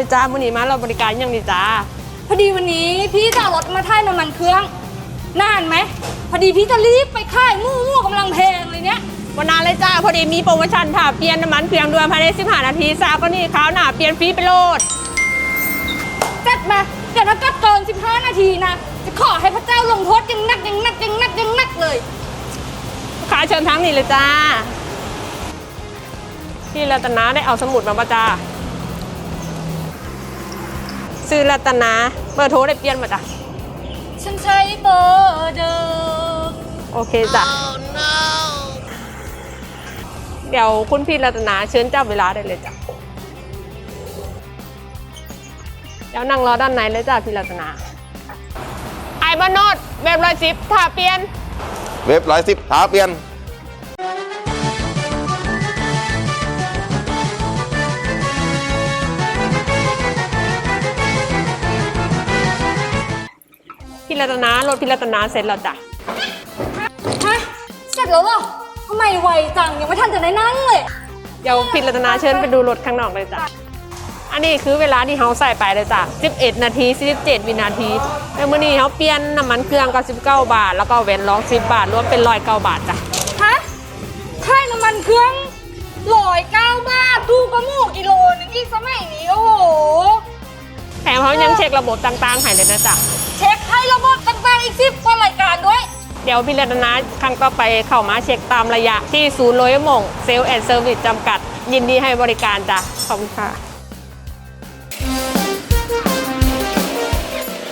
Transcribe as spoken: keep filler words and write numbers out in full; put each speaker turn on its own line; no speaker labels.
จ้ามื้อนี้มาเราบริการยังดีจ้า
พอดีวันนี้พี่จะเอารถมาถ่ายน้ำมันเครื่องนานไหมพอดีพี่จะรีบไปค่ายมู่มู่กำลังแพงเลยเนี้ย
วันนานเลยจ้าพอดีมีโปรโมชั่นค่ะเปลี่ยนน้ำมันเครื่องด่วนภายในสิบห้านาทีทราบก็นี่ขาวหนาเปลี่ยนฟรีไปโลด
จัดมาเดี๋ยวถ้าเกิดเกินสิบห้านาทีนะจะขอให้พระเจ้าลงโทษยังนักยังนักยังนักยังนักเลย
ขาเชิญทั้งนี้เลยจ้าพี่รัตนาได้เอาสมุดมาป่ะจ้าซื้อรัตนาเบอร์โทรได้เปลี่ยนมาจ้ะ
ฉันใช้เบอร์เดิม
โอเคจ้ะ oh, no. เดี๋ยวคุณพี่รัตนาเชิญเจ้าเวลาได้เลยจ้ะเดี๋ยวนั่งรอด้านในเลยจ้ะพี่รัตนาไอ้บ้านโนดเว็บร้อยสิบถ้าเปลี่ยน
เว็บร้อยสิบท้าเปลี่ยน
พี่รัตนารถพี่รัตนาเสร็จแล้วจ้ะ
ฮะเสร็จแล้วเหรอทำไมไวจังยังไม่ทันจะได้นั่งเลย
เดี๋ยวพี่รัตนาเชิญไปดูรถข้างนอกเลยจ้ะอันนี้คือเวลาที่เขาใส่ไปเลยจ้ะสิบเอ็ดนาทีสี่สิบเจ็ดวินาทีแล้วมื้อนี้เขาเปลี่ยนน้ำมันเครื่องก็สิบเก้าบาทแล้วก็เว้นร้องสิบบาทรวมเป็นร้อยเก้าบาทจ้ะ
ฮะค่าน้ำมันเครื่องร้อยเก้าบาทดูกระหมูกิโลนึงอีกสมัยนี้โอ้โห
แถมเขายังเช็คระบบต่างๆให้เลยนะจ๊ะ
เช็คให้ระบบต่างๆอีกสิบกว่ารายการด้วย
เดี๋ยวพี่รัตนาครั้งต่อไปเข้ามาเช็คตามระยะที่ศูนย์โรยมงเซลล์แอนด์เซอร์วิสจำกัดยินดีให้บริการจ้ะขอบคุณค่ะ